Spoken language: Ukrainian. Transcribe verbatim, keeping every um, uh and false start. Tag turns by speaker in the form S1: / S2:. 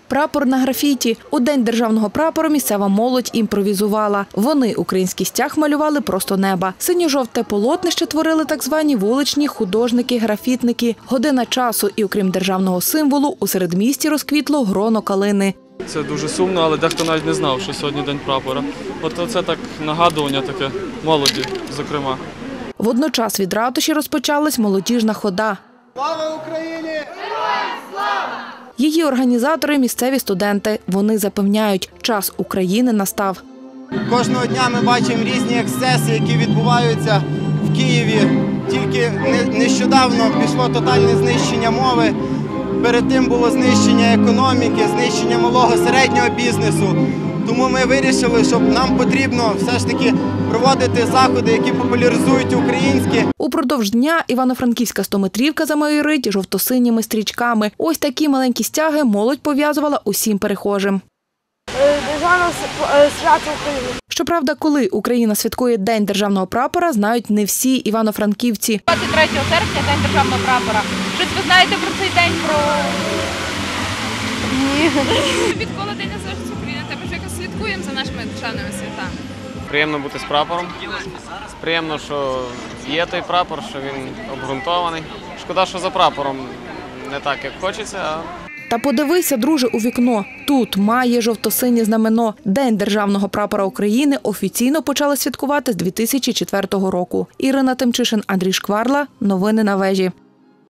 S1: Прапор на графіті. У День державного прапору місцева молодь імпровізувала. Вони український стяг малювали просто неба. Синьо-жовте полотнище творили так звані вуличні художники-графітники. Година часу і, окрім державного символу, у середмісті розквітло гроно калини.
S2: Це дуже сумно, але дехто навіть не знав, що сьогодні День прапора. От це так нагадування таке молоді, зокрема.
S1: Водночас від ратуші розпочалась молодіжна хода.
S3: Слава Україні! Героям слава!
S1: Її організатори – місцеві студенти. Вони запевняють, час України настав.
S3: Кожного дня ми бачимо різні ексцеси, які відбуваються в Києві. Тільки нещодавно пішло тотальне знищення мови. Перед тим було знищення економіки, знищення малого середнього бізнесу. Тому ми вирішили, що нам потрібно все ж таки проводити заходи, які популяризують українське.
S1: Упродовж дня Івано-Франківська стометрівка замайорить жовто-синіми стрічками. Ось такі маленькі стяги молодь пов'язувала усім перехожим.
S4: Державне свято України.
S1: Щоправда, коли Україна святкує День державного прапора, знають не всі івано-франківці.
S5: двадцять третього серпня – День державного прапора. Щось ви знаєте про цей день? Про...
S4: Ні.
S5: Відколи День Незалежності України, також якось слідкуємо за нашими державними святами.
S6: Приємно бути з прапором. Приємно, що є той прапор, що він обґрунтований. Шкода, що за прапором не так, як хочеться.
S1: Та подивися, друже, у вікно. Тут має жовто-синє знамено. День державного прапора України офіційно почали святкувати з дві тисячі четвертого року. Ірина Тимчишин, Андрій Шкварла. Новини на вежі.